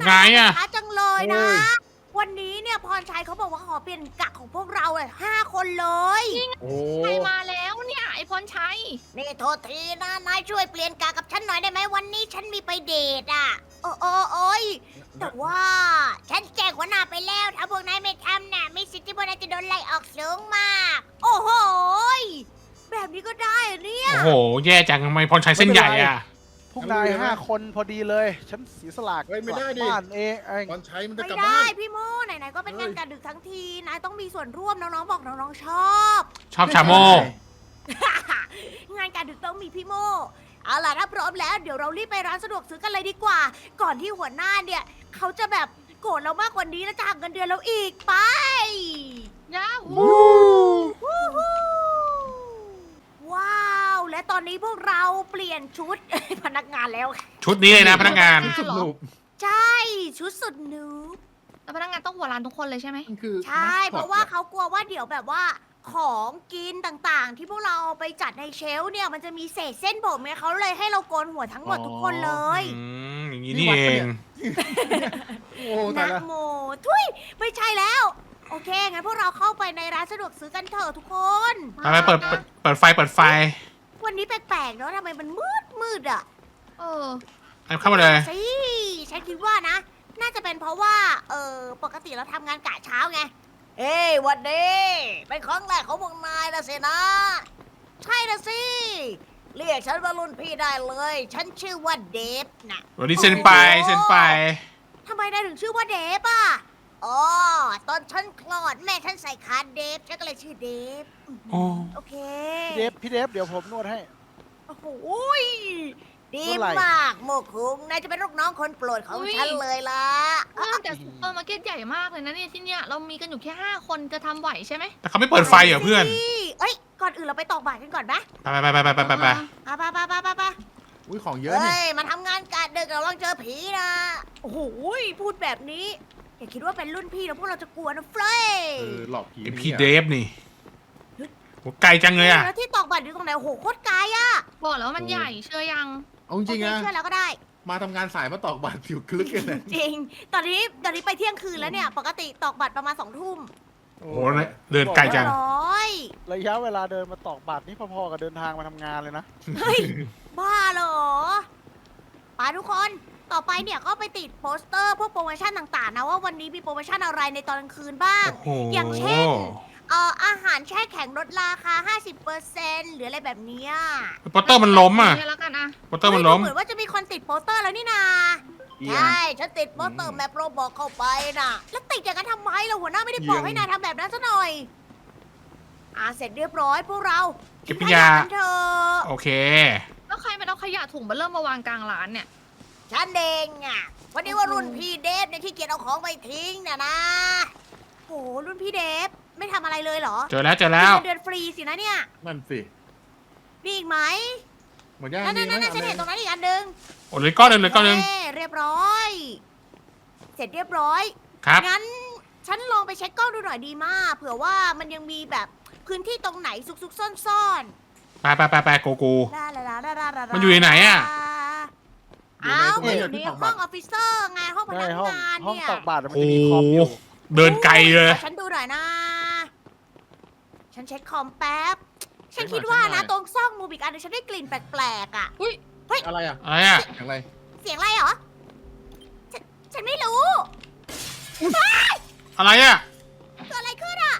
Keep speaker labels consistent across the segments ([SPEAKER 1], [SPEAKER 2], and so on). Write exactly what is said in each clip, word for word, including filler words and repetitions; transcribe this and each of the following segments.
[SPEAKER 1] ไงอะ
[SPEAKER 2] ช้าจังเลยนะ วันนี้เนี่ยพรชัยเขาบอกว่าขอเปลี่ยนกะของพวกเราเลยห้าคนเลย
[SPEAKER 3] โอ้
[SPEAKER 4] ใครมาแล้วเนี่ยไอพรชัย
[SPEAKER 2] นี่โทษทีนะนายช่วยเปลี่ยนกะกับฉันหน่อยได้ไหมวันนี้ฉันมีไปเดทอ่ะโอ้โอ้โอ้ยแต่ว่าฉันแจ้งหัวหน้าไปแล้วถ้าพวกนายไม่ทำน่ะมีสิทธิ์ที่พวกนายจะโดนไล่ออกสูงมาก โอ้โหยแบบนี้ก็ได้เหรอเนี่ย
[SPEAKER 1] โอ้โห แย่จังทำไมพรชัยเส้นใหญ่อะ
[SPEAKER 3] พวกนายห้าคนพอดีเลย ฉันเสียสละ
[SPEAKER 5] เฮ้ยไม่ได้ดิ
[SPEAKER 3] กลับบ้านเองเอง
[SPEAKER 5] ตอนใช้มันจะ
[SPEAKER 2] ไม่
[SPEAKER 5] กลับ
[SPEAKER 2] ได้
[SPEAKER 5] บ้าน
[SPEAKER 2] พี่โมไหนๆก็เป็นงาน
[SPEAKER 5] เฮ้ย
[SPEAKER 2] การดึกทั้งทีนายต้องมีส่วนร่วมน้องๆบอกน้องๆชอบ
[SPEAKER 1] ชอบชาโม
[SPEAKER 2] งานการดึกต้องมีพี่โมเอาล่ะถ้าพร้อมแล้วเดี๋ยวเรารีบไปร้านสะดวกซื้อกันเลยดีกว่า ก่อนที่หัวหน้าเนี่ยเขาจะแบบโกรธเรามากกว่านี้แล้วจะหักเงินเดือนเราอีกไป
[SPEAKER 4] ยาหู
[SPEAKER 2] วู้ฮู้ว้าวและตอนนี้พวกเราเปลี่ยนชุด พนักงานแล้ว
[SPEAKER 1] ชุดนี้เลยนะพนักงาน
[SPEAKER 5] สุดหนุบ
[SPEAKER 2] ใช่ชุดสุดหนู
[SPEAKER 4] แล้วพนักงานต้องหัวร้านทุกคนเลยใช่ไหม
[SPEAKER 5] มันคือ
[SPEAKER 2] ใช่ เพราะว่าเขากลัวว่าเดี๋ยวแบบว่าของกินต่างๆ ที่พวกเราเอาไปจัดในเชลฟ์เนี่ยมันจะมีเศษเส้นผมเนี่ยเขาเลยให้เราโกนหัวทั้งหมดทุกคนเลย
[SPEAKER 1] อืมอย่างนี้นี่เอง
[SPEAKER 5] โอ้ตาย
[SPEAKER 2] นะ
[SPEAKER 5] ละ
[SPEAKER 2] โมทุยไม่ใช่แล้ว โอเค งั้นพวกเราเข้าไปในร้านสะดวกซื้อกันเถอะทุกคน
[SPEAKER 1] ไปไปเปิดเปิดเปิดไฟเปิดไฟ
[SPEAKER 2] วันนี้แปลกๆเนาะทำไมมันมืดมืดอ่ะ
[SPEAKER 4] เออ
[SPEAKER 1] เอาเข้ามาเลย
[SPEAKER 2] สิฉันคิดว่านะ น่าจะเป็นเพราะว่า เออปกติเราทำงานกะเช้าไง เอ้ยวันดีเป็นครั้งแรกของพวกนายนะสินะ ใช่นะสิ เรียกฉันว่ารุ่นพี่ได้เลย ฉันชื่อว่าเดฟนะ
[SPEAKER 1] วันนี้เซ็นไปเซ็นไป
[SPEAKER 2] ทำไมนายถึงชื่อว่าเดฟอ่ะ อ๋อ ตอนฉันคลอดแม่ฉันใส่ขาเดฟ ฉันก็เลยชื่อเดฟ
[SPEAKER 1] โอ้
[SPEAKER 2] โอเค
[SPEAKER 3] พี่เดฟพี่เดฟเดี๋ยวผมนวดให้
[SPEAKER 2] โอ้โหยดี
[SPEAKER 3] เมื่อไหร่
[SPEAKER 2] มาก โมคุงนายจะเป็นลูกน้องคนโปรดของฉันเลยล่ะ
[SPEAKER 4] เออแต่ซุปเปอร์มาร์เก็ตใหญ่มากเลยนะเนี่ยที่เนี่ยเรามีกันอยู่แค่ห้าคนจะทำไหวใช่ไหม
[SPEAKER 1] แต่เขาไม่เปิดไฟเหรอเพื่อน
[SPEAKER 2] เอ้ย ก่อนอื่นเราไปตอกบาตรกันก่อนไหม
[SPEAKER 1] ไปไปไปไปไปไปไป
[SPEAKER 2] ไปไปไปไปไปไป
[SPEAKER 5] อุ้ยของเยอะนี่
[SPEAKER 2] เฮ้ย มาทำงานกะดึกระวังเจอผีนะ โอ้โหยพูดแบบนี้ อย่าคิดว่าเป็นรุ่นพี่แล้วพวกเราจะกลัวนะเฟรย
[SPEAKER 5] เออหลอกผี
[SPEAKER 1] ไอ
[SPEAKER 5] นี่
[SPEAKER 1] พี่เดฟนี่โหไกลจังเลยอะ
[SPEAKER 2] แล้วที่ตอกบาตรอยู่ตรงไหนโอ้โหโคตรไกลอะ
[SPEAKER 4] บอกแล้วว่ามันใหญ่เชื่อยัง
[SPEAKER 5] เอาจริงๆ
[SPEAKER 2] โอ
[SPEAKER 5] นะ
[SPEAKER 2] เคเชื่อแล้วก็ได้
[SPEAKER 5] มาทำงานสายมาตอกบัตรผิวคลึกกันเลย
[SPEAKER 2] จริง ตอนนี้ตอนนี้ไปเที่ยงคืนแล้วเนี่ย ปกติตอกบัตรประมาณสองทุ่ม
[SPEAKER 1] โอ้โหเดินไกลจัง
[SPEAKER 2] ร้อย
[SPEAKER 3] ระยะเวลาเดินมาตอกบัตรนี่พอๆกับเดินทางมาทำงานเลยนะ
[SPEAKER 2] เฮ้ย บ้าเหรอไปทุกคน ต่อไปเนี่ยก็ไปติดโปสเตอร์พวกโปรโมชั่นต่างๆนะว่าวันนี้มีโปรโมชั่นอะไรในตอนกลางคืนบ้าง
[SPEAKER 1] โอ้โห
[SPEAKER 2] อย่างเช่น เอ่ออาหารแช่แข็งลดราคา ห้าสิบเปอร์เซ็นต์ หรืออะไรแบบเนี้ย
[SPEAKER 1] โปสเตอร์มันล้มอ่ะ
[SPEAKER 4] เนี่ยแล้วกันอะ
[SPEAKER 1] โปสเตอร์มันล้ม
[SPEAKER 2] เฮ้ยดูเหมือนว่าจะมีคนติดโปสเตอร์แล้วนี่นา
[SPEAKER 5] เอียง
[SPEAKER 2] ใช่ ฉันติดโปสเตอร์แมปโรบอกเข้าไปน่ะ แล้วติดอย่างนั้นทำไมล่ะหัวหน้าไม่ได้บอก
[SPEAKER 5] เอียง
[SPEAKER 2] ให้นายทำแบบนั้นซะหน่อย อ่าเสร็จเรียบร้อยพวกเรา
[SPEAKER 1] เก็บ
[SPEAKER 2] ทิ้ง
[SPEAKER 1] ขยะ
[SPEAKER 2] กันเถอะ
[SPEAKER 1] โอเค
[SPEAKER 4] แล้วใครมันเอาขยะถุงมาเริ่มมาวางกลางร้านเนี่ย
[SPEAKER 2] ฉันเองอ่ะวันนี้ว่ารุ่นพี่เดฟเนี่ยขี้เกียจเอาของไปทิ้งน่ะนะโหรุ่นพี่เดฟไม่ทำอะไรเลยเหรอ
[SPEAKER 1] เจอแล้วเจอแล้ว
[SPEAKER 2] เดือนฟรีสินะเนี่ย
[SPEAKER 5] นั่นสิ
[SPEAKER 2] มีอีกไหม
[SPEAKER 5] หมดย่าง
[SPEAKER 2] นั่น
[SPEAKER 5] ดี
[SPEAKER 2] นั่น
[SPEAKER 5] ไหม
[SPEAKER 2] นั่นฉันเห็นตรงนั้นอีกอันหนึง
[SPEAKER 1] โอ้เหลยก้อนหนึ่งเหลยก้อนหนึ่ง
[SPEAKER 2] เย้เรียบร้อย เสร็จเรียบร้อย
[SPEAKER 1] ครับ
[SPEAKER 2] งั้นฉันลองไปเช็คกล้องดูหน่อยดีมาก เผื่อว่ามันยังมีแบบพื้นที่ตรงไหนซุกๆซ่อน
[SPEAKER 1] ไปไปไปไปโกกู
[SPEAKER 2] ๆลาลาลาลาลาลา
[SPEAKER 1] มันอยู่ในไหนอะ
[SPEAKER 2] อ้าว
[SPEAKER 5] อยู่
[SPEAKER 2] มัน
[SPEAKER 5] ใน
[SPEAKER 2] อยู่
[SPEAKER 5] ตรง
[SPEAKER 2] ใน
[SPEAKER 5] นี้
[SPEAKER 2] ห้องออฟฟิเซอร์ไงห้องพ
[SPEAKER 3] ใช่
[SPEAKER 2] นัก
[SPEAKER 3] ห้อง
[SPEAKER 2] งาน
[SPEAKER 3] ห้อง
[SPEAKER 2] เนี่ย
[SPEAKER 3] ตอกบัตรมัน
[SPEAKER 1] โอ้
[SPEAKER 3] จะมีคอมอยู่
[SPEAKER 1] เดินไกลเลย
[SPEAKER 2] ขอฉันดูหน่อยนะ ฉันเช็คคอมแป๊บ ฉัน
[SPEAKER 5] เช็คหน่อย
[SPEAKER 2] คิดว่า
[SPEAKER 5] เช็คหน่
[SPEAKER 2] นะ
[SPEAKER 5] อย
[SPEAKER 2] ตรงซอกมุมอีกอันหนึงฉันได้กลิ่นแปลกๆอ่ะ
[SPEAKER 5] อะไรอ่ะ
[SPEAKER 1] อะไรอ่ะ
[SPEAKER 5] อย่างไร
[SPEAKER 2] เสียงอะไรเหรอ ฉันฉันไม่รู้
[SPEAKER 1] อะไรอ่ะ
[SPEAKER 2] เกิดอะไรขึ้นอ่ะ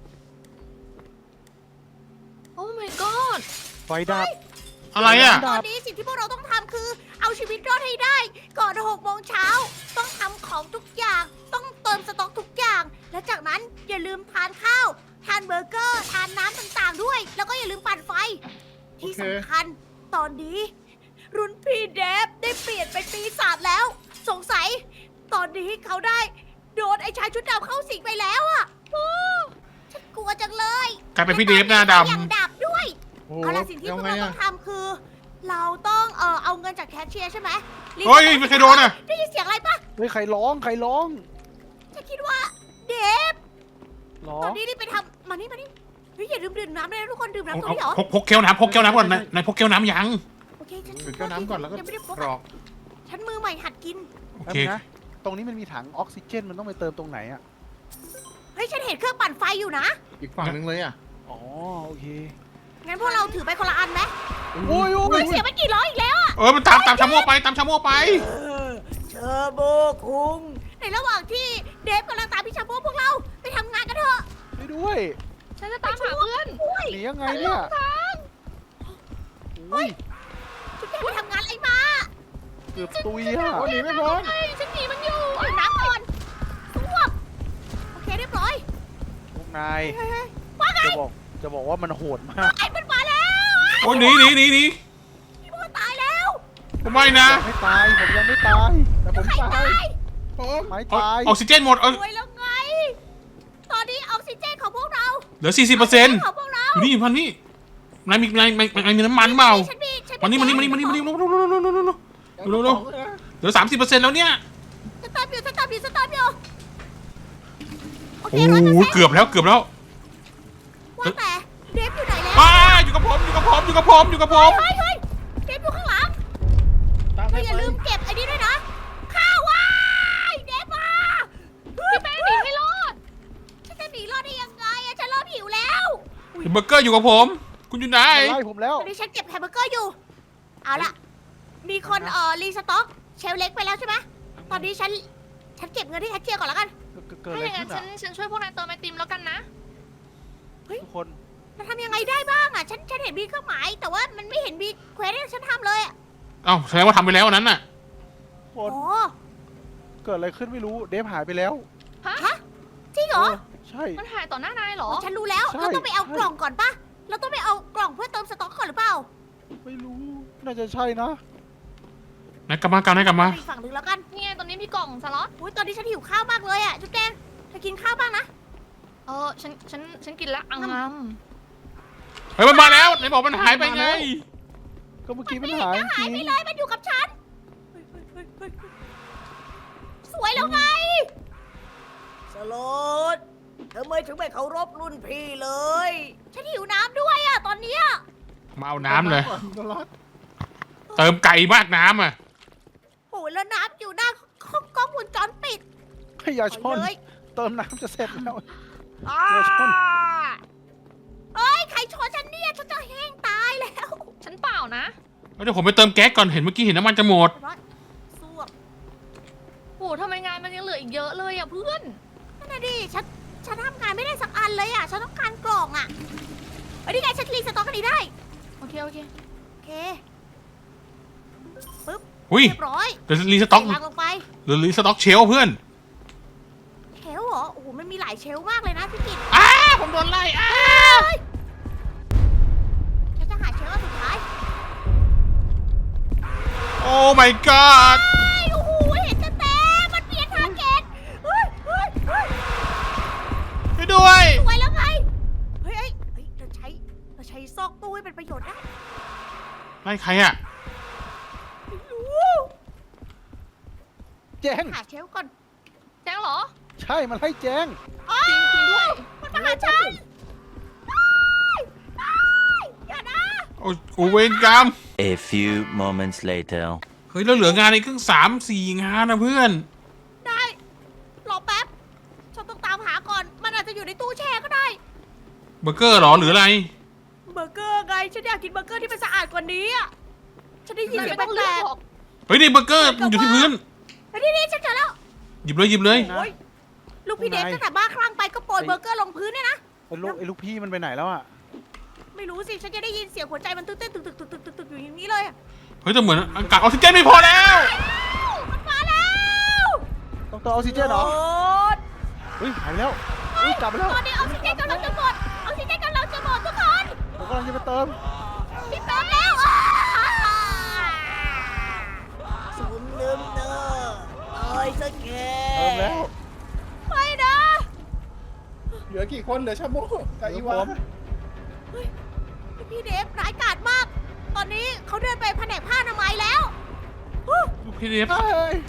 [SPEAKER 4] โอ้ my god
[SPEAKER 3] ไฟดับ
[SPEAKER 1] อะไรอ่ะ
[SPEAKER 2] ตอนนี้สิ่งที่พวกเราต้องทำคือ เอาชีวิตรอดให้ได้ ก่อนหกโมงเช้า ต้องทำของทุกอย่าง ต้องเติมสต็อกทุกอย่าง และจากนั้นอย่าลืมทานข้าว ทานเบอร์เกอร์ ทานน้ำต่างๆด้วย แล้วก็อย่าลืมปั่นไฟ ที่สำคัญ ตอนนี้ รุ่นพี่เดฟได้เปลี่ยนเป็นปีศาจแล้ว สงสัย ตอนนี้เขาได้ โดนไอ้ชายชุดดำเข้าสิงไปแล้วอ่ะโอ้ฉันกลัวจังเลย
[SPEAKER 1] กลายเป็นพี่เดฟหน้าด
[SPEAKER 2] อย่างดับด้วย
[SPEAKER 5] โอ้
[SPEAKER 2] เอาล่ะสิ่งที่พวก
[SPEAKER 5] ไง
[SPEAKER 2] เราต้
[SPEAKER 5] อ่ะ
[SPEAKER 2] องทำคือ เราต้องเออเอาเงินจากแคชเชียร์ใช่ไหมรีบ
[SPEAKER 1] เฮ้ยไม่เคยโดนอ่ะ
[SPEAKER 2] ได้ยินเสียงอะไรปะ
[SPEAKER 3] เฮ้ยใครร้องใครร้อง
[SPEAKER 2] ฉันคิดว่าเดฟ
[SPEAKER 3] ร้อ
[SPEAKER 2] ตอง นนี้รีบไปทำมานี่มานี่เฮ้ยอย่าลืมดื่มน้ำเลยนะทุกคนดื่มน้ำตรง
[SPEAKER 1] เอา
[SPEAKER 2] นี้เหรอ
[SPEAKER 1] พกพกแก้วน้ำพกแก้วน้ำก่อนนายนายพกแก้วน้ำยัง
[SPEAKER 2] โอเคฉัน
[SPEAKER 5] ดื่มแก้วน้ำก่อนแล้วก็
[SPEAKER 2] ยังไม่ได้พก
[SPEAKER 5] กร
[SPEAKER 2] อะ
[SPEAKER 5] อก
[SPEAKER 2] ฉันมือใหม่หัดกิน
[SPEAKER 1] โอ
[SPEAKER 3] แป๊บ
[SPEAKER 1] เค
[SPEAKER 3] นึงนะตรงนี้มันมีถังออกซิเจนมันต้องไปเติมตรงไหนอ่ะ
[SPEAKER 2] เฮ้ยฉันเห็นเครื่องปั่นไฟอยู่นะ
[SPEAKER 5] อีกฝั่งหนึงเลยอ่ะ
[SPEAKER 3] อ๋อโอเค
[SPEAKER 2] งั้นพวกเราถือไปคนละอันไหม
[SPEAKER 3] โอ้ยโอ้
[SPEAKER 2] อุ้
[SPEAKER 3] ย
[SPEAKER 2] ยเสียไปกี่ร้อยอีกแล้วอะ
[SPEAKER 1] เออมันตามตามชาโม่ไปตามชาโม่ไป
[SPEAKER 2] เชอร์โบคุงในระหว่างที่เดฟกำลังตามพี่ชาโบพวกเราไปทำงานกันเถอะ
[SPEAKER 3] ไปด้วย
[SPEAKER 4] ฉันจะตามหาเพื่อน
[SPEAKER 2] อุ้ย
[SPEAKER 3] หนียังไงเนี่ยโอ้ย
[SPEAKER 2] ชุดแกไปทำงานอะไรมา
[SPEAKER 3] เกือบตุยอ่ะ
[SPEAKER 5] โอ้หนีไม่พ้น
[SPEAKER 4] เฮ้ยฉันหนีมันอยู่
[SPEAKER 2] เอาน้ำก่อนสวบโอเคเรียบร้อย
[SPEAKER 3] พวกนาย
[SPEAKER 2] เฮ้ยเฮ้ยว่าไง
[SPEAKER 3] จะบอกจะบอกว่ามันโหดมาก
[SPEAKER 2] ไอ้มันมาแล้ว
[SPEAKER 1] โอ้หนีหนีหนีหนี
[SPEAKER 2] พี่โมตายแล้ว
[SPEAKER 1] ไม่นะ
[SPEAKER 3] ไม่ตายผมยังไม่ตายแต่ผม
[SPEAKER 2] ใคร
[SPEAKER 3] ตา
[SPEAKER 2] ตาย ย
[SPEAKER 5] ผม
[SPEAKER 3] ไม่
[SPEAKER 1] เอา
[SPEAKER 3] ตาย
[SPEAKER 1] ออกซิเจนหมดเอา
[SPEAKER 2] รวยแล้วไง ตอนนี้ออกซิเจนของพวกเรา
[SPEAKER 1] เหลือสี่สิบเปอร์เซ็นต์
[SPEAKER 2] ของพวกเรา
[SPEAKER 1] อยู่นี่พันนี่นายมีนายนายนายมีน้ำมันเปล่า
[SPEAKER 2] ฉันมีฉัน
[SPEAKER 1] วันนี้มันนี่มันนี่มันนี่มันนี่เร็วเร็วเร็วเร็วเร็วเร็วเร็ว เร็วเร็ว เหลือสามสิบเปอร์เซ็นต์แล้วเนี่ย
[SPEAKER 2] สตาร์ทอยู่สตาร์ทอยู่สตาร์ทอยู่โอเค
[SPEAKER 1] โอ้
[SPEAKER 2] ร้อยเปอร์
[SPEAKER 1] โห
[SPEAKER 2] เซ็นต์
[SPEAKER 1] เกือบแล้วเกือบแล้ว
[SPEAKER 2] ว่าแต่เดฟอยู่ไหนแล้ว
[SPEAKER 1] อ้าอยู่กับผมอยู่กับผมอยู่กับผมอยู่กับผม
[SPEAKER 2] เฮ้ยเฮ้ยเดฟอยู่ข้างหลัง
[SPEAKER 5] ตาม
[SPEAKER 2] เธ
[SPEAKER 5] ไป
[SPEAKER 2] ออย่าลืมเก็บไอ้นี่ด้วยนะ ข้าวว้ายเดฟมา
[SPEAKER 4] พี่แป้งหนีให้รอด
[SPEAKER 2] ฉันจะหนีรอดได้ยังไงอะฉันเริ่มหิวแล้ว
[SPEAKER 1] เบอร์เกอร์อยู่กับผม คุณอยู่ไหน
[SPEAKER 3] ไล่ผมแล้ว
[SPEAKER 2] ตอนนี้ฉันเก็บแฮมเบอร์เกอร์อยู่ เอาล่ะ มีคนเอ่อรีสต็อกเชลเล็กไปแล้วใช่ไหมตอนนี้ฉัน ฉันเก็บเงินที่แคชเชียร์ก่อนแล้วกัน
[SPEAKER 3] เกิด
[SPEAKER 4] ถ้า
[SPEAKER 3] อะไร
[SPEAKER 4] อย่างนั้
[SPEAKER 3] ขึ้
[SPEAKER 4] น
[SPEAKER 3] น
[SPEAKER 4] ฉัน
[SPEAKER 3] อ่ะ
[SPEAKER 4] ฉันช่วยพวกนายเติมไอติมแล้วกันนะ
[SPEAKER 3] ทุกคน
[SPEAKER 2] จะทำยังไงได้บ้างอะฉัน ฉันเห็นมีเครื่องหมาย แต่ว่ามันไม่เห็นมีเควสให้ฉันทำเลยอะ
[SPEAKER 1] เอ้าแสดงว่าทำไปแล้วอันนั้นน่ะ
[SPEAKER 3] ทุกค
[SPEAKER 2] โอ้
[SPEAKER 3] นเกิดอะไรขึ้นไม่รู้เดฟหายไปแล้ว
[SPEAKER 2] ฮะ จริงเหรอ
[SPEAKER 3] ใช่
[SPEAKER 4] มันหายต่อหน้านายเหรอ
[SPEAKER 2] ฉันรู้แล้ว
[SPEAKER 3] ใช่
[SPEAKER 2] เราต้องไปเอา
[SPEAKER 3] ใช่
[SPEAKER 2] กล่องก่อนปะเราต้องไปเอากล่องเพื่อเติมสต็อกก่อนหรือเปล่า
[SPEAKER 3] ไม่รู้น่าจะใช่นะ
[SPEAKER 1] นายกลับมากันนายกลับมา
[SPEAKER 2] ไปอีกฝั่งหนึ่งแล้วกัน
[SPEAKER 4] นี่ไงตอนนี้มีกล่องสล็อต
[SPEAKER 2] อุ้ยตอนนี้ฉันหิวข้าวมากเลยอะจุ๊บแดงเธอกินข้าวบ้างนะ
[SPEAKER 4] เออฉันฉันฉันกินแล้วอังงม
[SPEAKER 1] เฮ้ยมันมาแล้วนายบอกมันหายไปไง
[SPEAKER 3] ก็เมื่อกี้มันหายจ
[SPEAKER 2] หาย
[SPEAKER 3] ริง
[SPEAKER 2] ไปเลยมันอยู่กับฉัน สวยแล้วไง สโลดทำไมถึงไม่เคารพรุ่นพี่เลย ฉันหิวน้ำด้วยอะตอนเนี้ย
[SPEAKER 1] มาเอาน้ำเลย
[SPEAKER 5] ตลอด
[SPEAKER 1] เติมไก่มากน้ำอ่ะ
[SPEAKER 2] โอ้ยแล้วน้ำอยู่หน้ากล้องวงจรปิด
[SPEAKER 3] ให้อย่าชน
[SPEAKER 2] เลย
[SPEAKER 3] เติมน้ำจะเสร็จแล้ว
[SPEAKER 2] อ่า
[SPEAKER 3] เดี๋ยวชน
[SPEAKER 2] เอ้ยใครชนฉันเนี่ยฉันจะแห้งตายแล้ว
[SPEAKER 4] ฉันเปล่านะ
[SPEAKER 1] เดี๋ยวผมไปเติมแก๊สก่อนเห็นเมื่อกี้เห็นน้ำมันจะหมด
[SPEAKER 2] สวบ
[SPEAKER 4] โอ้ทำไมงานมันยังเหลืออีกเยอะเลยอ่ะเพื่อน
[SPEAKER 2] นั่นน่ะดิฉันฉันทำงานไม่ได้สักอันเลยอะฉันต้องการกล่องอะเอ้ยนี่ไงฉันรีสต็อกอันนี้ได้
[SPEAKER 4] โอเคโอเค
[SPEAKER 2] โอเค
[SPEAKER 1] อุ้ย
[SPEAKER 2] เรียบร้อย
[SPEAKER 1] เดี๋ยวรีสต็อก
[SPEAKER 2] ใส่ลังลงไป
[SPEAKER 1] เดี๋ยวรีสต็อกเชลฟ์เพื่อน
[SPEAKER 2] เชลฟ์เหรอ โอ้โห มันมีหลายเชลฟ์มากเลยนะพี่กิต
[SPEAKER 1] อ้าผมโดนไล่อ้า
[SPEAKER 2] ฉันจะหาเชลฟ์อันสุดท้าย
[SPEAKER 1] โอ้ my god
[SPEAKER 2] เฮ้ยโอ้โห เห็นเต็มๆมันเปลี่ยนทาร์เก็ตเฮ้ยเฮ้ยเฮ้ย
[SPEAKER 1] ไปด้วย
[SPEAKER 2] สวยแล้วไง เฮ้ยเฮ้ยเฮ้ยเราใช้ เราใช้ซอกตู้ให้เป็นประโยชน์ได้
[SPEAKER 1] ไล่ใครอ่ะ
[SPEAKER 2] ไม่รู้
[SPEAKER 3] แจ้ง
[SPEAKER 2] หาเชลฟ์ก่อน
[SPEAKER 4] แจ้งเหรอ
[SPEAKER 3] ใช่มันให้แจ้ง
[SPEAKER 2] อ้า
[SPEAKER 4] จริงจริงด้วย
[SPEAKER 2] มันมาหาฉันอ้ายอ้ายอย่านะ
[SPEAKER 1] โอ้โอ้เวรกรรม
[SPEAKER 6] A few moments later.
[SPEAKER 1] เฮ้ยแล้วเหลืองานอีกครึ่งสามสี่งานนะเพื่อน
[SPEAKER 2] ได้ รอแป๊บ ฉันต้องตามหาก่อน มันอาจจะอยู่ในตู้แช่ก็ได้
[SPEAKER 1] เบอร์เกอร์เหรอหรืออะไร
[SPEAKER 2] เบอร์เกอร์ไง ฉันอยากกินเบอร์เกอร์ที่มันสะอาดกว่านี้อะฉันได้ยิน
[SPEAKER 4] นาย
[SPEAKER 2] เสีย
[SPEAKER 4] ไม่
[SPEAKER 2] ง
[SPEAKER 4] ต้อง
[SPEAKER 2] แป
[SPEAKER 4] เลื
[SPEAKER 2] ล
[SPEAKER 4] อก
[SPEAKER 2] ก
[SPEAKER 4] หรอก
[SPEAKER 1] เฮ้ยนี่เบอร์เกอร์มันอยู่ที่พื้น
[SPEAKER 2] ๆไอ้นี่นี่ฉันเจอแล้ว
[SPEAKER 1] หยิบเลยหยิบเลย
[SPEAKER 2] โอ้ยลูกพี่เดฟ
[SPEAKER 3] ไหน
[SPEAKER 2] ตั้งแต่บ้าคลั่งไปก็โปรยเบอร์เกอร์ลงพื้นเนี่ยนะ
[SPEAKER 3] ไอ้ลูกไอ้ลูกพี่มันไปไหนแล้วอ่ะ
[SPEAKER 2] ไม่รู้สิ ฉันจะได้ยินเสียงหัวใจมันตึ๊กเต้นตึกตึกตึกตึกตึกตึกอยู่อย่างนี้เลยอะ
[SPEAKER 1] เฮ้ยแต่เหมือนอากาศออกซิเจนไม่พอแล้ว
[SPEAKER 2] มันมาแล้ว
[SPEAKER 3] ต้องเติมออกซิเจนเหรอ
[SPEAKER 2] โดด
[SPEAKER 3] เฮ้ยหายไปแล้วเฮ้ยกลับไปแล้ว
[SPEAKER 2] ตอนนี้ออกซิเจนกำลังจะหมดออกซิเจนกำลังจะหมดทุกคน
[SPEAKER 3] ผมกำลังจะไปเติม
[SPEAKER 2] พี่เติมแล้วอ่าสมลืมเนอตายซะแก
[SPEAKER 3] เติมแล้ว
[SPEAKER 2] ไม่นะ
[SPEAKER 5] เหลือกี่คนเหลือชาโมกับอีวา
[SPEAKER 2] พี่เดฟร้ายกาจมาก ตอนนี้เขาเดินไปแผนกผ้าอนามัยแล้ว
[SPEAKER 1] ลูกพี่เดฟ
[SPEAKER 3] เฮ้ย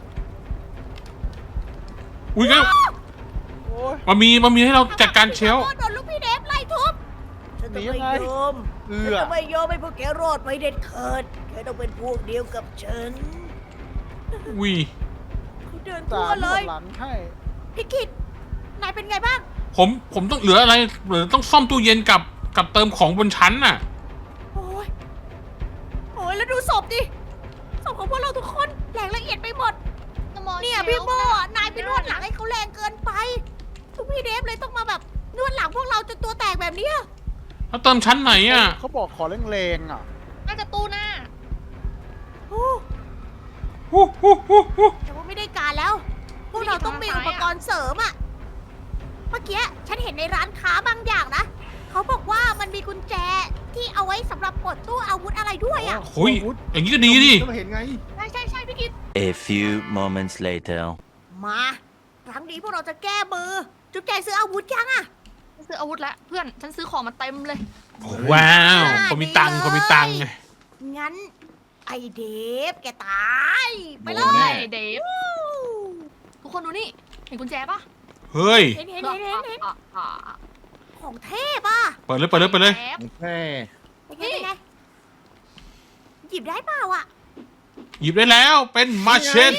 [SPEAKER 1] อุ้ยงั้น
[SPEAKER 3] โอ้ย
[SPEAKER 1] มันมีมันมีให้เราจัดการเชลฟ์
[SPEAKER 2] โดนลูกพี่เดฟไล่ทุบ ฉันจะ
[SPEAKER 3] หนียั
[SPEAKER 2] ไม่
[SPEAKER 3] งไง
[SPEAKER 2] ยอม
[SPEAKER 3] เอื
[SPEAKER 2] ฉัน
[SPEAKER 3] อ
[SPEAKER 2] จะไม่ยอมให้พวกแกรอดไปเด็ดขาดแกต้องเป็นพวกเดียวกับฉัน
[SPEAKER 1] อุ้ย
[SPEAKER 2] เขาเดิน
[SPEAKER 3] ตา
[SPEAKER 2] ทั่ว
[SPEAKER 3] ม
[SPEAKER 2] เลย
[SPEAKER 3] หลังให้
[SPEAKER 2] พี่กิตนายเป็นไงบ้าง
[SPEAKER 1] ผมผมต้องเหลืออะไรเหลือต้องซ่อมตู้เย็นกับกับเติมของบนชั้นน่ะ
[SPEAKER 2] โอ้ย โอ้ยแล้วดูศพดิ ศพของพวกเราทุกคนแหลกละเอียดไปหมด เนี่ยพี่โบอะนายไปนวดหลังให้เขาแรงเกินไป ทุกพี่เดฟเลยต้องมาแบบนวดหลังพวกเราจนตัวแตกแบบเนี้ย
[SPEAKER 1] แล้วเติมชั้นไหนอ่ะ
[SPEAKER 3] เขาบอกขอแรงๆอ่ะ
[SPEAKER 4] น่าจะตู้หน้า
[SPEAKER 2] โอ้
[SPEAKER 1] ฮู้ฮู้ฮู้ฮู้
[SPEAKER 2] แต่ว่าไม่ได้การแล้ว พวกเราต้องมีอุปกรณ์เสริมอะเมื่อกี้ฉันเห็นในร้านค้าบางอย่างนะ เขาบอกว่ามันมีกุญแจที่เอาไว้สำหรับปลดตู้อาวุธอะไรด้วยอะ
[SPEAKER 1] โอ้ยอย่างนี้ก็ดีดิ
[SPEAKER 5] ก็เห็นไง
[SPEAKER 4] ใช่ใช่ใช่พี่กิต
[SPEAKER 6] A few moments later.
[SPEAKER 2] มา ครั้งนี้พวกเราจะแก้มือ จุ๊บแจซื้ออาวุธยังอะ
[SPEAKER 4] ฉันซื้ออาวุธแล้วเพื่อนฉันซื้อของมาเต็มเลย
[SPEAKER 1] ว้าวคนมีตังค์คนมีตังค์ไง
[SPEAKER 2] งั้น ไอเดฟแกตาย ไปเล
[SPEAKER 5] โดนแน่
[SPEAKER 2] ย
[SPEAKER 4] ไอเดฟทุกคนดูนี่เห็นกุญแจปะ
[SPEAKER 1] เฮ้ย
[SPEAKER 2] เห็นเห็นเห็นเห็นเห็น
[SPEAKER 4] อ่ะอ่ะอ่ะ
[SPEAKER 2] ของเทพอ่ะ
[SPEAKER 1] เปิดเลยเปิดเลยเปิดเลย
[SPEAKER 4] แอบ
[SPEAKER 5] แม่
[SPEAKER 2] เป็นไงเป็นไงหยิบได้เปล่าอ่ะ
[SPEAKER 1] หยิบได้แล้วเป็นมาเชเต้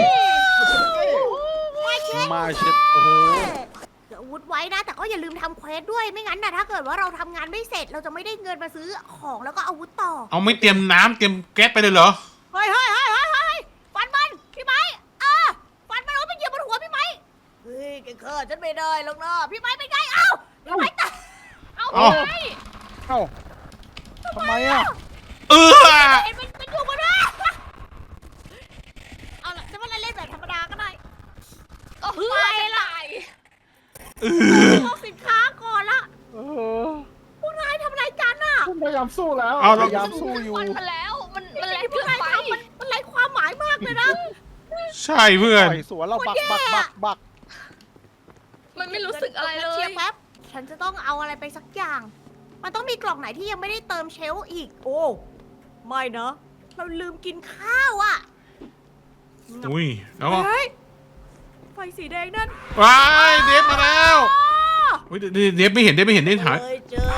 [SPEAKER 2] ไม่ใช่
[SPEAKER 3] มาเช็ดโอ้โห
[SPEAKER 2] เดี๋ยวอาวุธไว้นะ แต่ก็อย่าลืมทำเควสด้วย ไม่งั้นนะถ้าเกิดว่าเราทำงานไม่เสร็จ เราจะไม่ได้เงินมาซื้อของแล้วก็อาวุธต่อ
[SPEAKER 1] เอาไม่เตรียมน้ำเตรียมแก๊สไปเลยเหรอ
[SPEAKER 2] เฮ้ยเฮ้ยเฮ้ยเฮ้ยเฮ้ยฟันมัน พี่ไม้เออฟันมันเอาไปเหยียบบนหัวพี่ไม้เฮ้ยแกเคิร์ฉันไม่ได้หรอกนะพี่ไม้เป็นไง เอ้าพี่ไม้ตาย
[SPEAKER 4] เอา
[SPEAKER 1] เอา
[SPEAKER 4] ไป
[SPEAKER 3] เอ้าทำไมอ่ะ
[SPEAKER 1] เออ
[SPEAKER 2] เห็นมันมันอยู่บนหัวเอาล่ะจะว่าเล่นแบบธรรมดาก็ได้
[SPEAKER 4] โอ้โหไปละ
[SPEAKER 1] เออ
[SPEAKER 2] เอาสินค้าก่อนละ
[SPEAKER 3] เออ
[SPEAKER 2] พวกนายทำอะไรกันอ่ะ
[SPEAKER 5] ผมพยายามสู้แล้ว
[SPEAKER 1] เอา
[SPEAKER 3] พ
[SPEAKER 1] เรา
[SPEAKER 3] ยายามสู้อยู่
[SPEAKER 4] มันมาแล้วมันมันแรง
[SPEAKER 2] ที่พว
[SPEAKER 4] เกิ
[SPEAKER 2] ก
[SPEAKER 4] น
[SPEAKER 2] นาย
[SPEAKER 4] ไป
[SPEAKER 2] ทำมันมันไร้ความหมายมากเลยนะ
[SPEAKER 1] ใช่เพื่อน
[SPEAKER 3] ต่อยสวนเราบักบักบักบัก
[SPEAKER 4] มันไม่รู้สึกอะไรเล
[SPEAKER 2] เชี
[SPEAKER 4] ย
[SPEAKER 2] ยร์แป๊บ ฉันจะต้องเอาอะไรไปสักอย่าง มันต้องมีกล่องไหนที่ยังไม่ได้เติมเชลฟ์อีก โอ้ ไม่นะ เราลืมกินข้าวอ่ะ
[SPEAKER 1] อุ้ยแล้วก็
[SPEAKER 2] เฮ้ย ไฟสีแดงนั่น
[SPEAKER 1] ว้ายเดฟมาแล้วอุ้ยเดฟเดฟไม่เห็นเดฟไม่เห็นเดฟหาย
[SPEAKER 2] เคยเจอ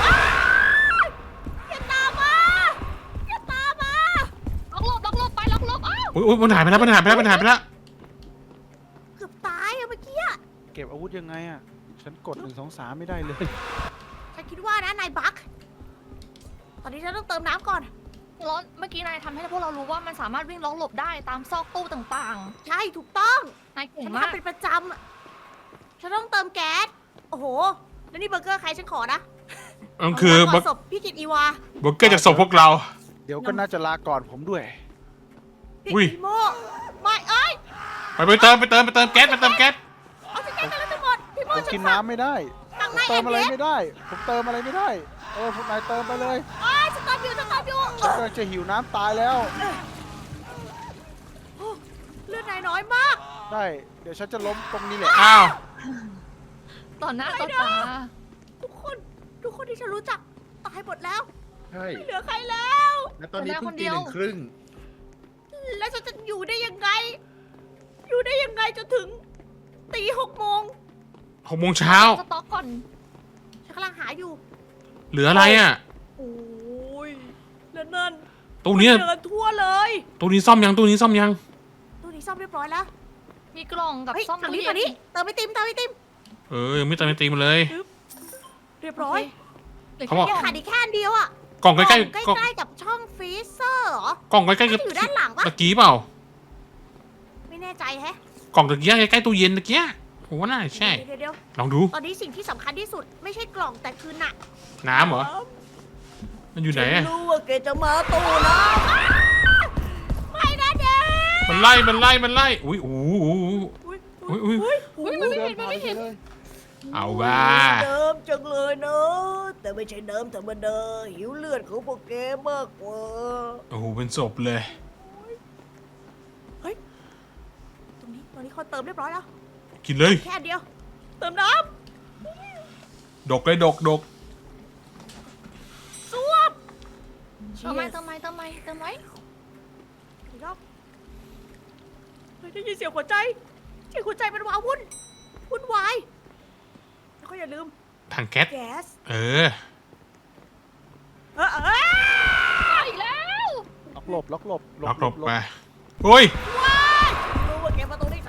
[SPEAKER 2] อย่าตามมาอย่าตามมา
[SPEAKER 4] ล็อกลบล็อกลบไปล็อกลบอ้าว
[SPEAKER 1] อุ้ยอุ้ยมันหายไปแล้วมันหายไปแล้วมันหายไปแล้ว
[SPEAKER 2] เกือบตายอะเมื่อกี้อะ
[SPEAKER 3] เก็บอาวุธยังไงอ่ะ ฉันกดหนึ่งสองสามไม่ได้เลย
[SPEAKER 2] ฉันคิดว่านะนายบัก ตอนนี้ฉันต้องเติมน้ำก่อน
[SPEAKER 4] ร้อนเมื่อกี้นายทำให้พวกเรารู้ว่ามันสามารถวิ่งล็อกหลบได้ตามซอกตู้ต่าง
[SPEAKER 2] ใช่ถูกต้อง
[SPEAKER 4] ๆนายเก่ง
[SPEAKER 2] ฉัน
[SPEAKER 4] มาก
[SPEAKER 2] ทำเป็นประจำอะฉันต้องเติมแก๊ส โอ้โห แล้วนี่เบอร์เกอร์ใครฉันขอนะ
[SPEAKER 1] มันคือ
[SPEAKER 2] เา
[SPEAKER 1] เบอ
[SPEAKER 2] มา
[SPEAKER 1] ร์
[SPEAKER 2] ก่นศพพี่กิตอีวา
[SPEAKER 1] เบอร์เกอร์จากศพพวกเรา
[SPEAKER 3] เดี๋ยวก็น่าจะลาก่อนผมด้วย
[SPEAKER 2] พี่
[SPEAKER 1] อุ้ย
[SPEAKER 2] อีโมไม่เอ้ย
[SPEAKER 1] ไปไปเติมไปเติมไปเติมแก๊สไปเติมแก๊ส
[SPEAKER 2] เอาสิแก๊สไปแล้วจะหมด พี่โม
[SPEAKER 3] ผม
[SPEAKER 2] ฉั
[SPEAKER 3] กิ
[SPEAKER 2] น
[SPEAKER 3] น
[SPEAKER 2] ฝาก
[SPEAKER 3] น้ำไม่ได้
[SPEAKER 2] ตัง
[SPEAKER 3] ผม
[SPEAKER 2] นาย
[SPEAKER 3] เติ
[SPEAKER 2] เอ็
[SPEAKER 3] ม
[SPEAKER 2] ม
[SPEAKER 3] อะไร
[SPEAKER 2] เอส
[SPEAKER 3] ไม่ได้ ผมเติมอะไรไม่ได้ เออพวกนายเติมไปเลย
[SPEAKER 2] โอ้ยสตาร์ทอยู่สตาร์ทอยู่
[SPEAKER 3] ฉันกำลังจะหิวน้ำตายแล้ว
[SPEAKER 2] โอ้เลือดนายน้อยมาก
[SPEAKER 3] ได้ เดี๋ยวฉันจะล้มตรงนี้แหละ
[SPEAKER 1] อ้าว
[SPEAKER 4] ต่อหน้าต่อตา
[SPEAKER 2] ทุกคน ทุกคนที่ฉันรู้จักตายหมดแล้ว
[SPEAKER 5] ใช่
[SPEAKER 2] ไม่เหลือใครแล้ว
[SPEAKER 5] และตอนนี้เพิ่งตีหนึ่งครึ่ง
[SPEAKER 2] แล้วฉันจะอยู่ได้ยังไง อยู่ได้ยังไงจนถึงตีหกโมง
[SPEAKER 1] หกโมงเช้า
[SPEAKER 4] สต็อกก่อน
[SPEAKER 2] ฉันกำลังหาอยู่
[SPEAKER 1] เหลืออะไรอ่ะ
[SPEAKER 2] โอ้ย แล้วนั่น
[SPEAKER 1] ตู้นี้
[SPEAKER 2] เดินทั่วเลย
[SPEAKER 1] ตู้นี้ซ่อมยังตู้นี้ซ่อมยัง
[SPEAKER 2] ตู้นี้ซ่อมเรียบร้อยแล้ว
[SPEAKER 4] มีกล่องกับ
[SPEAKER 2] เฮ้ย
[SPEAKER 4] ซ่อม
[SPEAKER 2] ฝั่ง
[SPEAKER 4] ตู้
[SPEAKER 2] นี้
[SPEAKER 4] เย็
[SPEAKER 2] ฝั่งนี้เติมไอติมเติมไอติม
[SPEAKER 1] เออยังไม่เติมไม่ตีมันเลย
[SPEAKER 2] เรียบร้อย
[SPEAKER 4] เหลือ
[SPEAKER 1] เขา
[SPEAKER 4] แค่
[SPEAKER 1] บอก
[SPEAKER 4] กล่อง
[SPEAKER 2] ขาดอีกแค่อันเดียวอ่ะ
[SPEAKER 1] กล่องใกล้
[SPEAKER 2] ใก
[SPEAKER 1] ๆกล่อง
[SPEAKER 2] ล้ๆกับช่องฟรีเซอร์เหรอก
[SPEAKER 1] ล่องใกล้ๆกับ
[SPEAKER 2] น่าจะอยู่ด้านหลังปะ
[SPEAKER 1] ตะกี้เปล่า
[SPEAKER 2] ไม่แน่ใจแฮะ
[SPEAKER 1] กล่องตะกี้ใกล้ๆตู้เย็นตะกี้ผมว่าน่าใช่
[SPEAKER 2] เดี๋ยวเดี๋ยว
[SPEAKER 1] ลองดู
[SPEAKER 2] ตอนนี้สิ่งที่สำคัญที่สุดไม่ใช่กล่องแต่คือหนัก
[SPEAKER 1] น้ำเหรอมันอยู่ไหน
[SPEAKER 2] ฉั
[SPEAKER 1] อะ
[SPEAKER 2] รู้ว่าแกจะมาตู้นะไม่นะเด็ก
[SPEAKER 1] มันไล่มันไล่มันไล่อุ้ยอู้หู
[SPEAKER 2] อุ้ย
[SPEAKER 1] อุ้ยอุ้ย
[SPEAKER 2] อุ้ย
[SPEAKER 4] อุ้ยมันไม่เห็นมันไม่เห็น
[SPEAKER 1] เอาว่า
[SPEAKER 2] เดิมจังเลยเนอะแต่ไม่ใช่เดิมธรรมดาหิวเลือดของพวกแกมากกว่า
[SPEAKER 1] โอ้โหเป็นศพเลย
[SPEAKER 2] ตรงนี้ตรงนี้เขาเติมเรียบร้อยแล้ว
[SPEAKER 1] กินเลย
[SPEAKER 2] แค่อันเดียว เติมน้
[SPEAKER 1] ดกเลยดกดก
[SPEAKER 2] ำส้วม
[SPEAKER 4] เติมไหมเติมไหมเติมไหมเติมไหม
[SPEAKER 2] อีกรอบเฮ้ยได้ยินเสียงหัวใจเสียงหัวใจมันว้าวุ่นวุ่นวายแล้วก็อย่าลืม
[SPEAKER 1] ถังแก๊ส
[SPEAKER 2] แก๊ส
[SPEAKER 1] เออ
[SPEAKER 2] เออเออ
[SPEAKER 4] เอาอีกแล้ว
[SPEAKER 3] ล็อกหลบล็อกหลบ
[SPEAKER 1] ล็อกหลบไปโอ้ย
[SPEAKER 2] ว้ายรู้ว่าแกมาตรงนี้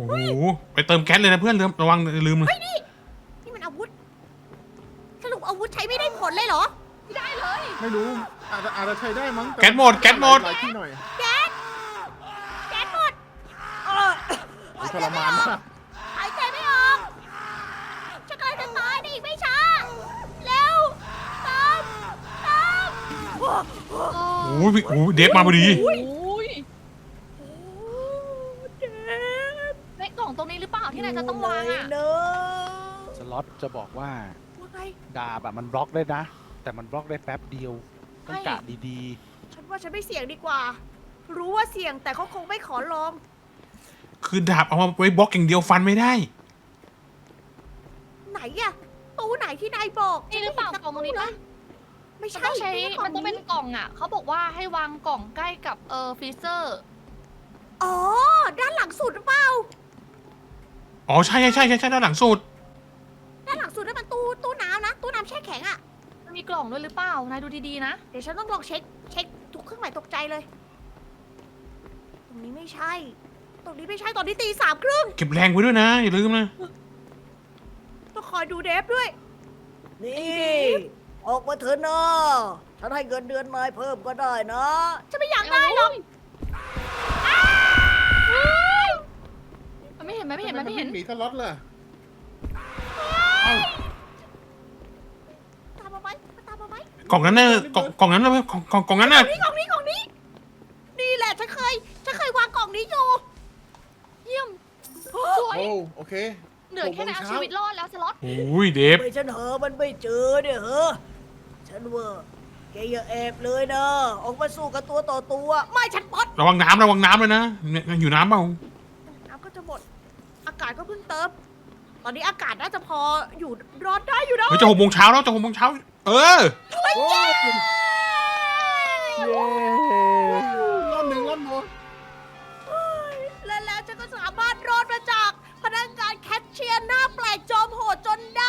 [SPEAKER 1] โอ้โหไปเติมแก๊สเลยนะเพื่อนลืมระวังลืมเลย
[SPEAKER 2] เฮ้ยนี่นี่มันอาวุธสรุปอาวุธใช้ไม่ได้ผลเลยเหรอ
[SPEAKER 4] ไม่ได้เลย
[SPEAKER 5] ไม่รู้อาจจะอาจจะใช้ได้มั้ง
[SPEAKER 1] แก๊สหมดแก๊สหมด
[SPEAKER 5] หลายที่หน่อย
[SPEAKER 2] แก๊สแก๊สหมดเออ
[SPEAKER 5] ทรมานมาก
[SPEAKER 2] หายใจไม่ออกฉันกำลังจะตายในอีกไม่ช้าเร็วตามตามโอ้โห
[SPEAKER 1] โอ้ยโอ้ยเดฟมาพอดี
[SPEAKER 4] โอ้ย
[SPEAKER 2] เจ็บ
[SPEAKER 4] ในกล่องตรงนี้หรือเปล่าที่นายจะต้องวางอ่ะ
[SPEAKER 2] เนอะ
[SPEAKER 3] สล็อตจะบอกว่า
[SPEAKER 2] ว่าไง
[SPEAKER 3] ดาบอะมันบล็อกได้นะ แต่มันบล็อกได้แป๊บเดียวต้องกะดี
[SPEAKER 2] ฉันว่าฉันไม่เสี่ยงดีกว่า รู้ว่าเสี่ยงแต่เขาคงไม่ขอลอง
[SPEAKER 1] คือดาบเอามาไว้บล็อกอย่างเดียวฟันไม่ได้
[SPEAKER 2] ไหนอะตู้ไหนที่นายบอก
[SPEAKER 4] นี่หรือเปล่า
[SPEAKER 2] ฉั
[SPEAKER 4] กล่องตรงนี้ปะ
[SPEAKER 2] ไม่
[SPEAKER 4] มัน
[SPEAKER 2] ใช่
[SPEAKER 4] ต้องใช้
[SPEAKER 2] ไใช่กล่
[SPEAKER 4] มันต้องเป็นกล่องอ่ะเขาบอกว่าให้วางกล่องใกล้กับเออฟรีเซอร์
[SPEAKER 2] อ๋อ ด้านหลังสุดหรือเปล่า
[SPEAKER 1] อ๋อใช่ใช่ใช่ใช่ใช่ด้านหลังสุด
[SPEAKER 2] ด้านหลังสุดนั่นมันตู้ตู้น้ำนะ ตู้น้ำแช่แข็งอะ
[SPEAKER 4] มันมีกล่องด้วยหรือเปล่านายดูดีๆนะ
[SPEAKER 2] เดี๋ยวฉันต้องลองเช็ค เช็คทุกเครื่องหมายตกใจเลย ตรงนี้ไม่ใช่ ตรงนี้ไม่ใช่ ตอนนี้ตีสามครึ่ง
[SPEAKER 1] เก็บแรงไว้ด้วยนะอย่าลืมนะ
[SPEAKER 2] ต้องคอยดูเดฟด้วย นี่ ออกมาเถอะนะฉันให้เงินเดือนนายเพิ่มก็ได้นะ ฉันไม่อยากได้หรอก
[SPEAKER 4] มันไม่เห็นไหมไม่เห็นไหมไม่เห็น
[SPEAKER 5] หนีสล็อตเลย
[SPEAKER 2] ตามมาไหมมาตามมาไหม
[SPEAKER 1] กล่องนั้นน่ะกล่องกล่องนั้นน่ะกล่องกล่องกล่องนั้นน่ะ
[SPEAKER 2] กล่องนี้กล่องนี้กล่องนี้ นี่แหละฉันเคย ฉันเคยวางกล่องนี้อยู่
[SPEAKER 4] เยี่ยมสวย
[SPEAKER 5] โอ้โอเค
[SPEAKER 4] เหลือแค่นายเอาชีวิตรอดแล้วสล็อต
[SPEAKER 1] โอ้ยเดฟ
[SPEAKER 2] ไม่ฉันเหอะมันไม่เจอเนี่ยเหรอฉันว่าแกอย่าแอบเลยนะ ออกมาสู้กับตัวต่อตัว ไม่ฉันปลด
[SPEAKER 1] ระวังน้ำระวังน้ำเลยนะเนี่ยอยู่น้ำเปล่า
[SPEAKER 2] น้ำก็จะหมด อากาศก็เพิ่งเติม ตอนนี้อากาศน่าจะพออยู่รอดได้อยู่นะ
[SPEAKER 1] เฮ้ยจะหกโมงเช้าแล้วจะหกโมงเช้าเออ
[SPEAKER 2] เฮ้ยเย้
[SPEAKER 3] ๆ เย้
[SPEAKER 5] รอบหนึ่งรอบหนึ่ง
[SPEAKER 2] และแล้วฉันก็สามารถรอดมาจากพนักงานแคชเชียร์หน้าแปลกจอมโหดจนได้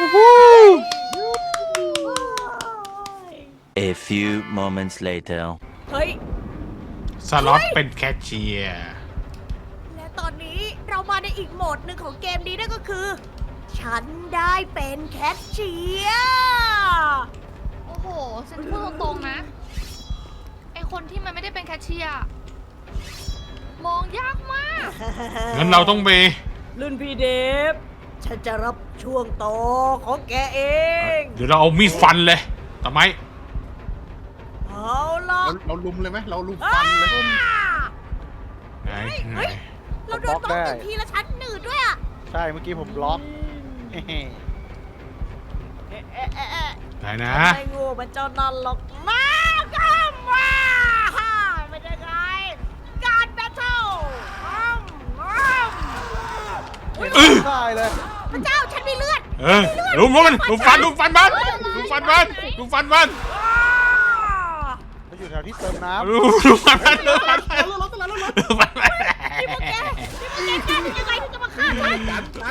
[SPEAKER 6] A few moments later.
[SPEAKER 2] เฮ้ย
[SPEAKER 1] สล็อตเป็นแคชเชียร์
[SPEAKER 2] และตอนนี้เรามาในอีกโหมดหนึ่งของเกมนี้นั่นก็คือ ฉันได้เป็นแคชเชียร์
[SPEAKER 4] โอ้โหฉันพูดตรงๆนะไอคนที่มันไม่ได้เป็นแคชเชียร์มองยากมาก
[SPEAKER 1] งั้นเราต้องไป
[SPEAKER 2] รุ่นพี่เดฟ ฉันจะรับช่วงต่อของแกเอง
[SPEAKER 1] เดี๋ยวเราเอามีดฟันเลยทำไม
[SPEAKER 2] เอาล่ะ
[SPEAKER 5] เราเราลุมเลยไหมเราลุมฟันเลย
[SPEAKER 1] ไหนไหน
[SPEAKER 2] เราเดินตรงหนึ่งทีละชั้นหนืดด้วยอ่ะ
[SPEAKER 3] ใช่เมื่อกี้ผมบล็อกเฮ้
[SPEAKER 2] เอ๊ะเอ๊ะเอ๊ะเอ๊ะ
[SPEAKER 1] ไหนนะ
[SPEAKER 2] ไม่งูมันเจ้านั่นหรอกมากันมาไม่ได้ไงการแบทเทิลอ้อมอ้อม
[SPEAKER 1] เออ
[SPEAKER 3] ได้เลย
[SPEAKER 2] พระเจ้าฉันมีเลือด
[SPEAKER 1] เออลุมมันลุมฟันลุมฟันมันลุมฟันมันลุมฟันมัน
[SPEAKER 2] อ้า
[SPEAKER 3] เราอยู่แถวที่เติมน้
[SPEAKER 1] ลุมลุมฟันมันลุมฟันมัน
[SPEAKER 5] รถรถรถรถ
[SPEAKER 1] ลุมฟันมัน
[SPEAKER 2] นี่พวกแกนี่พวกแกกล้าได้ยังไงที่จะมาฆ่าฉัน
[SPEAKER 5] กันกัน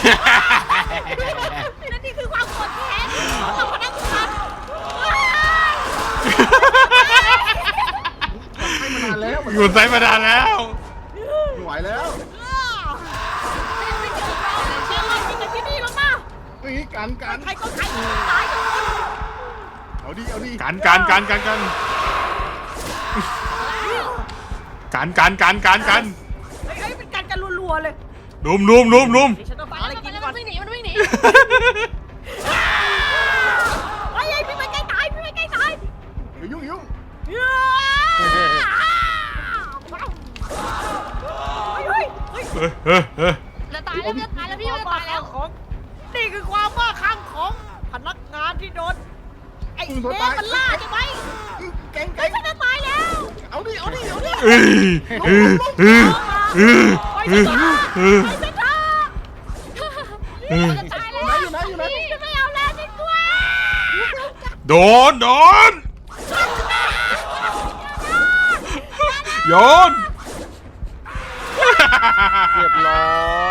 [SPEAKER 2] นั่นนี่คือความโกรธแค้นของพนักงาน
[SPEAKER 5] ให้มานานแล้ว
[SPEAKER 1] อยู่ใส่มานานแล้ว
[SPEAKER 5] ไม่ไหวแล้ว
[SPEAKER 2] ไม่เจอเราเชื่อเราจริงกับที่นี่แล้วนะ
[SPEAKER 5] เฮ้ยกันกัน
[SPEAKER 2] ใครก็ใครตายกันหมด
[SPEAKER 5] เอาดิเอาดิ
[SPEAKER 1] การการการการการการการการการการ
[SPEAKER 2] เฮ้ยเป็นการกันรัวๆเลย
[SPEAKER 1] ลุมลุมลุมลุม
[SPEAKER 2] เดี๋ยวฉันต้อง
[SPEAKER 4] ไป
[SPEAKER 2] หา
[SPEAKER 4] แล้
[SPEAKER 2] อะไร
[SPEAKER 4] ว
[SPEAKER 2] กิน
[SPEAKER 4] มัน
[SPEAKER 2] ก่อน
[SPEAKER 4] วิ่งหนีมันวิ่งหนี
[SPEAKER 2] เฮ้ยพี่ไปใกล้ตายพี่ไปใกล้ตาย
[SPEAKER 5] อย่ายุ่งยุ่ง
[SPEAKER 2] เฮ้ยเฮ้ยเฮ้ย
[SPEAKER 1] เฮ้ยเฮ้ยเฮ้ย
[SPEAKER 4] จะตายแล้วจะตายแล้วพี่จะตายแล้ว
[SPEAKER 2] ของนี่คือความบ้าคลั่งของพนักงานที่โดนไอ้เดฟมันล่าใช่ไหม
[SPEAKER 5] เก่ง
[SPEAKER 2] เฮ้
[SPEAKER 5] เก่
[SPEAKER 2] ย
[SPEAKER 5] ง
[SPEAKER 2] ฉันจะตายแล้ว
[SPEAKER 5] เอาดิเอาดิเอาดิ
[SPEAKER 1] เอ้ยเอ้ยเอ้ยเอ้ย
[SPEAKER 2] ไป
[SPEAKER 1] เอ้
[SPEAKER 2] ซะ
[SPEAKER 1] ย
[SPEAKER 2] เถอะ
[SPEAKER 1] เอ้ย
[SPEAKER 2] ไปซะเถอะ
[SPEAKER 1] เอ้ย
[SPEAKER 4] จะตาย
[SPEAKER 5] อ
[SPEAKER 4] แล้
[SPEAKER 5] ยู่
[SPEAKER 4] ว
[SPEAKER 5] ไหนอยู่ไหนอยู่ไหน
[SPEAKER 2] ฉันไม่เอาแล้วฉันกลัว
[SPEAKER 1] โดนโดนโยน
[SPEAKER 3] ำเรียบร้อย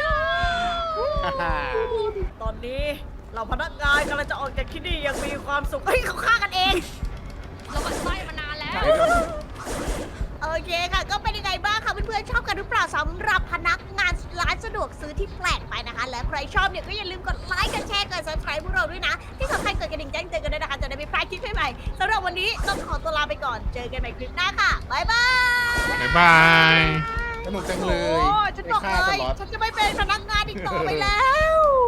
[SPEAKER 2] ตอนนี้เราพนักงานกำลังจะออกจากที่นี่อยังมีความสุขเฮ้ยเขาฆ่ากันเอง
[SPEAKER 4] เราบัดไส้มานานแล้ว
[SPEAKER 2] โอเคค่ะ ก็เป็นยังไงบ้างคะเพื่อนๆชอบกันหรือเปล่าสำหรับพนักงานที่แปลกไปนะคะ และใครชอบเนี่ยก็อย่าลืมกดไลค์กดแชร์กด subscribe พวกเราด้วยนะ ที่สำคัญกดกระดิ่งแจ้งเตือนกันด้วยนะคะจะได้ไม่พลาดคลิปใหม่ๆสำหรับวันนี้ต้องขอตัวลาไปก่อนเจอกันใหม่คลิปหน้าค่ะบ๊ายบาย
[SPEAKER 1] บ๊ายบาย
[SPEAKER 5] สนุกจังเลย
[SPEAKER 2] โอ้ฉันบอก
[SPEAKER 5] ไปฆ่า
[SPEAKER 2] เล
[SPEAKER 5] ส
[SPEAKER 2] ย
[SPEAKER 5] ล็อต
[SPEAKER 2] ฉันจะไม่เป็นพนักงานอีกต่อไปแล้ว